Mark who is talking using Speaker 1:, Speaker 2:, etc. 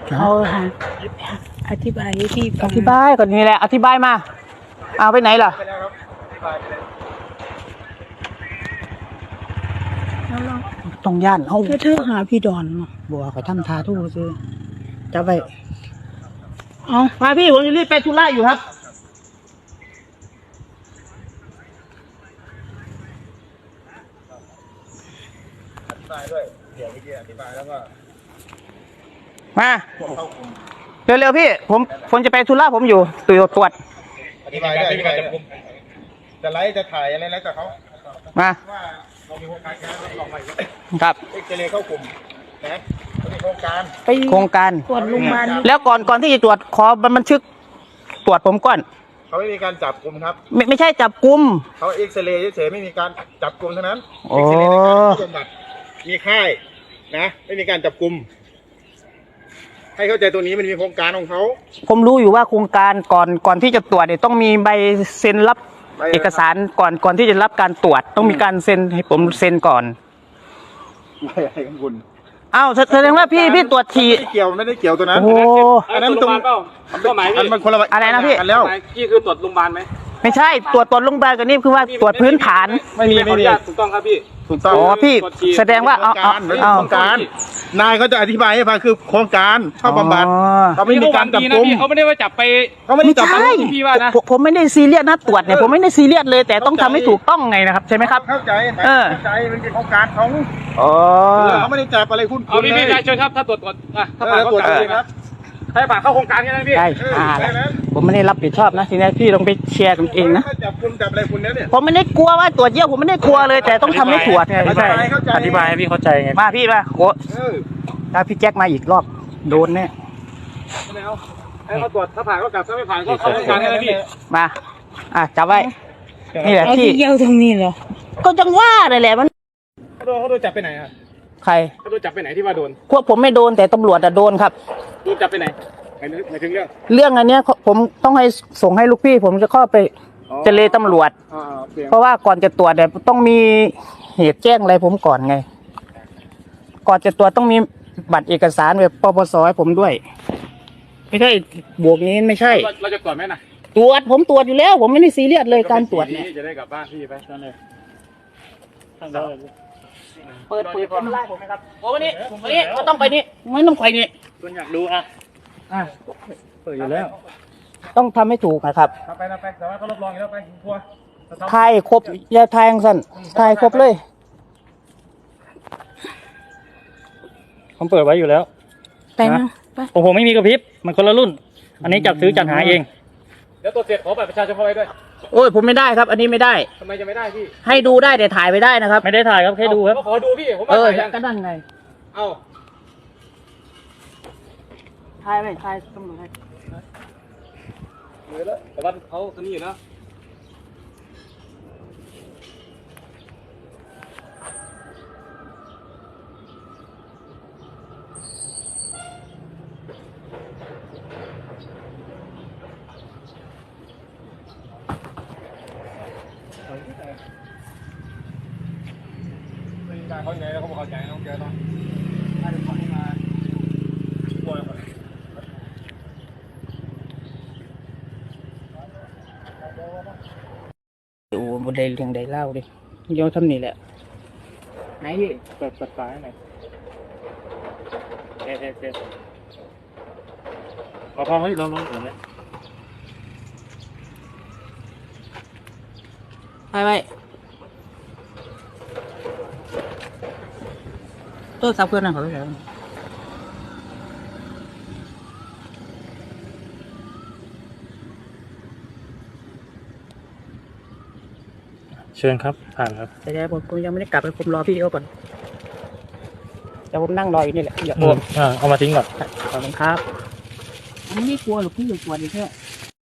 Speaker 1: เขาค่ะอธิบายให้พี่ฟั
Speaker 2: อง ธิบายก่อนนี่แหละอธิบายมาเอาไปไหนล่ะต้องย่านเฮา
Speaker 1: ถ้าเธอหาพี่ดอนมา
Speaker 2: บัวเขาทำทาทู่ซื้อจะไป
Speaker 1: เอา
Speaker 2: มาพี่ผมจะรีบไปธุระอยู่ครับ
Speaker 3: อธิบายด้วยเดี๋ยวเมื่อกี้อธิบายแล้วก็
Speaker 2: มาเร็วๆพี่ผมจะไปธุระผมอยู่ตรวจ
Speaker 3: อธิบายด้วยอธิบายด้วยจะไลฟ์จะถ่ายอะไรแล้วแต่เขา
Speaker 2: มา
Speaker 3: ว่าเรามีโครงการงานเราลองใหม่
Speaker 2: ครับ
Speaker 3: เอ็กซเรย์เข้ากลุ่มนะเขามีโครงการ
Speaker 1: ไป
Speaker 2: โครงการ
Speaker 1: ตรวจโรงพยาบาล
Speaker 2: แล้วก่อนที่จะตรวจขอบันทึกตรวจผมก่อน
Speaker 3: เขาไม่มีการจับกลุ่มครับ
Speaker 2: ไม่ใช่จับกุม
Speaker 3: เขาเอ็กซเรย์เฉยๆไม่มีการจับกลุ่มเท่านั้น
Speaker 2: โอ้
Speaker 3: เอ็กซเรย์ในการบำบัดมีค่ายนะไม่มีการจับกลุ่มให้เข้าใจตัวนี้มันมีโครงการของเขา
Speaker 2: ผมรู้อยู่ว่าโครงการก่อนที่จะตรวจเนี่ยต้องมีใบเซ็นรับเอกสารก่อนที่จะรับการตรวจต้องมีการเซ็นให้ผมเซ็นก่อน
Speaker 3: ไม่อะไรของคุณ
Speaker 2: อ้าวแสดงว่าพี่ตรวจฉี่
Speaker 3: ไม่ได้เกี่ยวตัวนั้น
Speaker 2: โอ้
Speaker 3: อันนั้นมันตรง
Speaker 4: เปล่าก็หมาย
Speaker 3: อันมันคนละ
Speaker 2: อะไรนะพี่
Speaker 3: กันแล้ว
Speaker 4: หมายพี่คือตรวจโรงพยาบาลไหม
Speaker 2: ไม่ใช่ตรวจโรงพยาบาลกันนี่คือว่าตรวจพื้นฐาน
Speaker 3: ไม่มี
Speaker 4: ขออนุญาตถูกต้องครับพี่
Speaker 3: ถูกต้อง
Speaker 2: อ๋อพี่แสดงว่าเอา
Speaker 3: โครงการนายเขาจะอธิบายให้ฟังคือโครงการเข้าบำบัดเขาไม่มีการจับกุม
Speaker 4: เขาไม่ได้ว่าจับไป
Speaker 3: เขาไม่ได้
Speaker 2: ไม่
Speaker 3: จับ
Speaker 2: ใช่
Speaker 3: กุม
Speaker 4: พี่ว่านะ
Speaker 2: ผมไม่ได้ซีเรียสนะตรวจเนี่ยผมไม่ได้ซีเรียสเลยแต่ต้องทำให้ถูกต้องไงนะครับใช่ไหมครับ
Speaker 3: เข้าใจ
Speaker 2: เออ
Speaker 3: เข้าใจมันเป็นโครงการของ
Speaker 2: อ๋อ
Speaker 3: เขาไม่ได้จับอะไรคุณ
Speaker 4: เอาพี่เชิญครับถ้าตรวจถ้าผ่าน
Speaker 3: ตรวจ
Speaker 4: เข้า
Speaker 3: เลยครับ
Speaker 4: ให้ผ่านเข้าโครงการแค่นั้นพี่
Speaker 2: ใช่ผมไม่ได้รับผิดชอบนะทีนี้พี่ต้องไปแชร์กันเองนะ
Speaker 3: ถ้าจับกุมจับอะไรคุณเนี่ย
Speaker 2: ผมไม่ได้กลัวว่าตรวจเยี่ยวผมไม่ได้กลัวเลยแต่ต้องทำให้ตรวจไงไม่ใช่
Speaker 4: อธิบายให้พี่เข้าใจไง
Speaker 2: มาพี่มาโอ้
Speaker 3: เออ
Speaker 2: ถ้าพี่แจ็คมาอีกรอบโดนแน่
Speaker 4: ไม่เอาให้เขาตรวจถ้าผ่านก็กลับถ้าไม่ผ่านก็เข้าโครงการแค่นั้นพี่
Speaker 2: มาจับไว้นี่แหละ
Speaker 1: เอา
Speaker 2: ที่
Speaker 1: ที่เยี่ยวตรงนี้เหรอ
Speaker 2: ก็จังว่าเลยแหละมัน
Speaker 4: เขาโดนจับไปไหนครับ
Speaker 2: ใคร
Speaker 4: เขาโดนจับไปไหนที่ว่าโดน
Speaker 2: พวกผมไม่โดนแต่ตำรวจโดนครับ
Speaker 4: โดนจับไปไหนหมายถึงเรื่อง
Speaker 2: เรื่องอันเนี้ยผมต้องให้ส่งให้ลูกพี่ ผมจะเข้าไปเจเลตำรวจ
Speaker 4: เปลี่ยน
Speaker 2: เพราะว่าก่อนจะตรวจเนี่ยต้องมีเหตุแจ้งอะไรผมก่อนไง ก่อนจะตรวจต้องมีบัตรเอกสารแบบปปสให้ผมด้วย ไม่ใช่บวกนี้ไม่ใช่
Speaker 4: เราจะตรวจไหมนะ
Speaker 2: ตรวจผมตรวจอยู่แล้ว ผมไม่ได้ซีเรียสเลยการตรวจเนี่ย
Speaker 4: จะได้กลับบ้านพี่ไปนั่นเลย
Speaker 2: เปิดผมไล่ผมไหมครับโอ้วันนี้ก็ต้องไปนี่ไม่ต้องไปนี่
Speaker 4: คุณอยากดูเปิดอยู่แล้ว
Speaker 2: ต้องทำให้ถูกนะครับ
Speaker 4: ไปแต่ว่าเขารับรองแล้วไปทัวร์
Speaker 2: ทายครบอย่าทายอย่างสั้นทายครบเลย
Speaker 5: ผมเปิดไว้อยู่แล้ว
Speaker 1: ไปนะไป
Speaker 5: ผมไม่มีกระพริบ มันคนละรุ่น อันนี้จับซื้อจัดหาเอง
Speaker 4: เดี๋ยวตรวจเสร็จขอบัตรประชาชนเข้าไปด้วย
Speaker 2: โอ้ยผมไม่ได้ครับ อันนี้ไม่ได้
Speaker 4: ทำไมจะไม่ได้พี่
Speaker 2: ให้ดูได้แต่ถ่ายไม่ได้นะครับ
Speaker 5: ไม่ได้ถ่ายครับแค่ดูครับ
Speaker 4: ก็ขอดูพี่ผม
Speaker 2: เอ
Speaker 4: ว่า
Speaker 2: อ
Speaker 4: ถ่ายยัง
Speaker 2: ก็นั่นไง
Speaker 4: เอ้า
Speaker 2: ถ่ายไหมถ่ายตำรวจให้
Speaker 4: แต่ว่าเขาคนนี้อยู่นะ เขาอยู่ไหนแล้วเขาบอกเขาใจน้องเจอเนาะให้เดี๋ยวเขามาป่วยก่อน
Speaker 2: ดูบนใดเรื่องใดเล่าดิเดี๋ยวทำนี่แหละไหนพี่
Speaker 5: เปิดฝาให้หน่อยเอ๊ะขอพอให้ลองเห็นไหม
Speaker 2: ไปตัวสับเพื่อนนะเขาไปแล้ว
Speaker 5: เชิญครับ ผ่านครับ
Speaker 2: แต่ผมยังไม่ได้กลับไปผมรอพี่เขาก่อนเดี๋ยวผมนั่งรออยู่นี่แหละอย่าโอม
Speaker 5: เอามาทิ้งก่อน
Speaker 2: ขอบคุณครับผมไม่กลัวหรอกพี่อย่ากลัวดิแค่